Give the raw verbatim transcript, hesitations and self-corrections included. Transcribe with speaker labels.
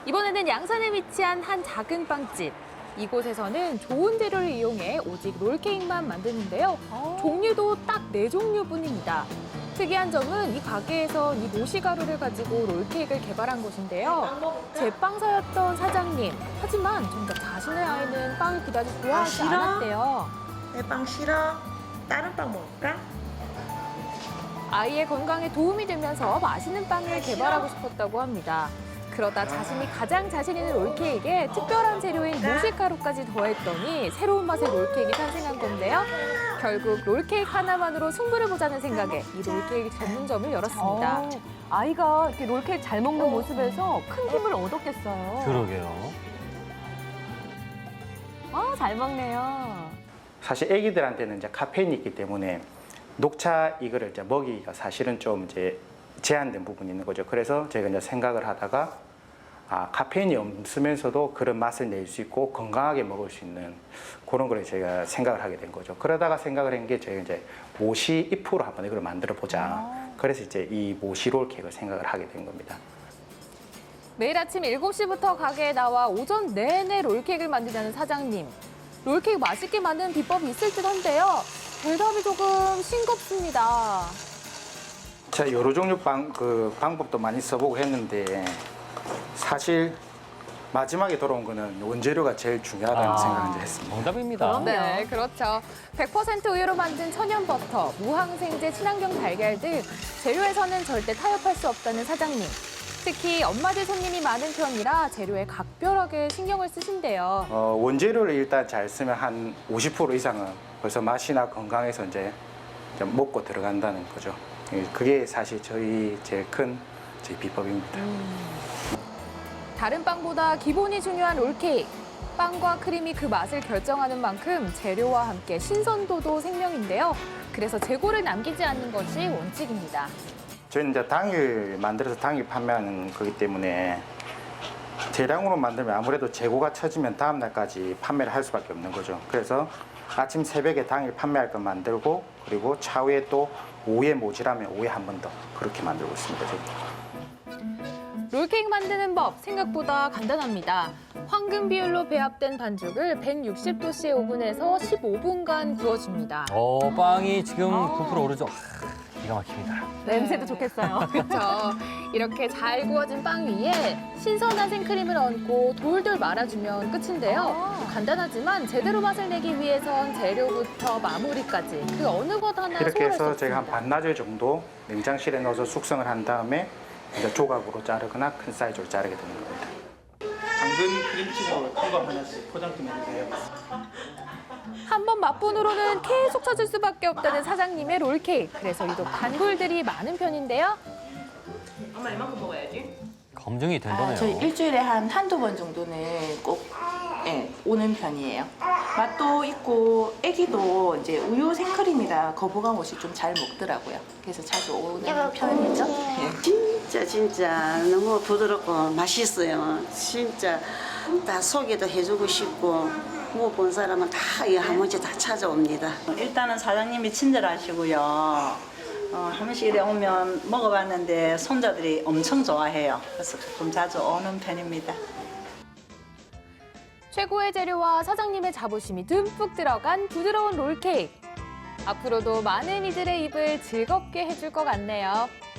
Speaker 1: 이번에는 양산에 위치한 한 작은 빵집. 이곳에서는 좋은 재료를 이용해 오직 롤케이크만 만드는데요. 종류도 딱 네 종류뿐입니다. 특이한 점은 이 가게에서 이 모시가루를 가지고 롤케이크를 개발한 것인데요. 제빵사였던 사장님. 하지만 정작 자신의 아이는 빵을 그다지 좋아하지
Speaker 2: 싫어?
Speaker 1: 않았대요.
Speaker 2: 내 빵 싫어? 다른 빵 먹을까?
Speaker 1: 아이의 건강에 도움이 되면서 맛있는 빵을 개발하고 싶었다고 합니다. 그러다 자신이 가장 자신 있는 롤케이크에 특별한 재료인 모시가루까지 더했더니 새로운 맛의 롤케이크가 탄생한 건데요. 결국 롤케이크 하나만으로 승부를 보자는 생각에 이 롤케이크 전문점을 열었습니다.
Speaker 3: 어, 아이가 이렇게 롤케이크 잘 먹는 모습에서 큰 힘을 얻었겠어요.
Speaker 4: 그러게요.
Speaker 3: 아, 잘 먹네요.
Speaker 5: 사실 아기들한테는 이제 카페인이 있기 때문에 녹차 이거를 이제 먹이기가 사실은 좀 이제 제한된 부분이 있는 거죠. 그래서 제가 이제 생각을 하다가 아, 카페인이 없으면서도 그런 맛을 낼 수 있고 건강하게 먹을 수 있는 그런 걸 제가 생각을 하게 된 거죠. 그러다가 생각을 한 게 제가 이제 모시 잎으로 한번 이걸 만들어 보자. 그래서 이제 이 모시 롤케이크를 생각을 하게 된 겁니다.
Speaker 1: 매일 아침 일곱 시부터 가게에 나와 오전 내내 롤케이크를 만드자는 사장님. 롤케이크 맛있게 만드는 비법이 있을 듯 한데요. 대답이 조금 싱겁습니다.
Speaker 5: 자, 여러 종류 방, 그 방법도 많이 써보고 했는데 사실 마지막에 돌아온 거는 원재료가 제일 중요하다는
Speaker 4: 아,
Speaker 5: 생각을 이제 했습니다.
Speaker 4: 정답입니다.
Speaker 1: 네, 그렇죠. 백 퍼센트 우유로 만든 천연 버터, 무항생제 친환경 달걀 등 재료에서는 절대 타협할 수 없다는 사장님. 특히 엄마들 손님이 많은 편이라 재료에 각별하게 신경을 쓰신대요.
Speaker 5: 어, 원재료를 일단 잘 쓰면 한 오십 퍼센트 이상은 벌써 맛이나 건강에서 이제 좀 먹고 들어간다는 거죠. 예, 그게 사실 저희 제일 큰 저희 비법입니다.
Speaker 1: 다른 빵보다 기본이 중요한 롤케이크. 빵과 크림이 그 맛을 결정하는 만큼 재료와 함께 신선도도 생명인데요. 그래서 재고를 남기지 않는 것이 원칙입니다.
Speaker 5: 저희는 이제 당일 만들어서 당일 판매하는 거기 때문에 대량으로 만들면 아무래도 재고가 처지면 다음 날까지 판매를 할 수밖에 없는 거죠. 그래서 아침 새벽에 당일 판매할 거 만들고 그리고 차후에 또 오후에 모자라면 오후에 한 번 더 그렇게 만들고 있습니다. 저희.
Speaker 1: 롤케이크 만드는 법 생각보다 간단합니다. 황금 비율로 배합된 반죽을 백육십 도씨의 오븐에서 십오 분간 구워줍니다.
Speaker 4: 어, 빵이 지금 부풀어 오르죠. 하, 기가 막힙니다.
Speaker 3: 냄새도 좋겠어요.
Speaker 1: 그렇죠. 이렇게 잘 구워진 빵 위에 신선한 생크림을 얹고 돌돌 말아주면 끝인데요. 간단하지만 제대로 맛을 내기 위해선 재료부터 마무리까지 그 어느 것 하나
Speaker 5: 이렇게
Speaker 1: 소홀할 수
Speaker 5: 해서
Speaker 1: 없습니다.
Speaker 5: 제가 한 반나절 정도 냉장실에 넣어서 숙성을 한 다음에 이제 조각으로 자르거나 큰 사이즈로 자르게 되는 겁니다.
Speaker 6: 당근 크림치즈로 큰 거 하나씩 포장 좀 해주세요.
Speaker 1: 한 번 맛본으로는 계속 찾을 수밖에 없다는 사장님의 롤케이크. 그래서 유독 단골들이 많은 편인데요.
Speaker 2: 엄마 이만큼 먹어야지.
Speaker 4: 검증이 된 거네요.
Speaker 7: 아, 저희 일주일에 한 한두 번 정도는 꼭 예, 오는 편이에요. 맛도 있고 애기도 이제 우유 생크림이라 거부감 없이 좀 잘 먹더라고요. 그래서 자주 오는 편이죠. 예.
Speaker 8: 진짜 진짜 너무 부드럽고 맛있어요. 진짜 다 소개도 해주고 싶고 뭐 본 사람은 다 한 번씩 다 찾아옵니다.
Speaker 9: 일단은 사장님이 친절하시고요. 어, 한 번씩 이래 오면 먹어봤는데 손자들이 엄청 좋아해요. 그래서 조금 자주 오는 편입니다.
Speaker 1: 최고의 재료와 사장님의 자부심이 듬뿍 들어간 부드러운 롤케이크. 앞으로도 많은 이들의 입을 즐겁게 해줄 것 같네요.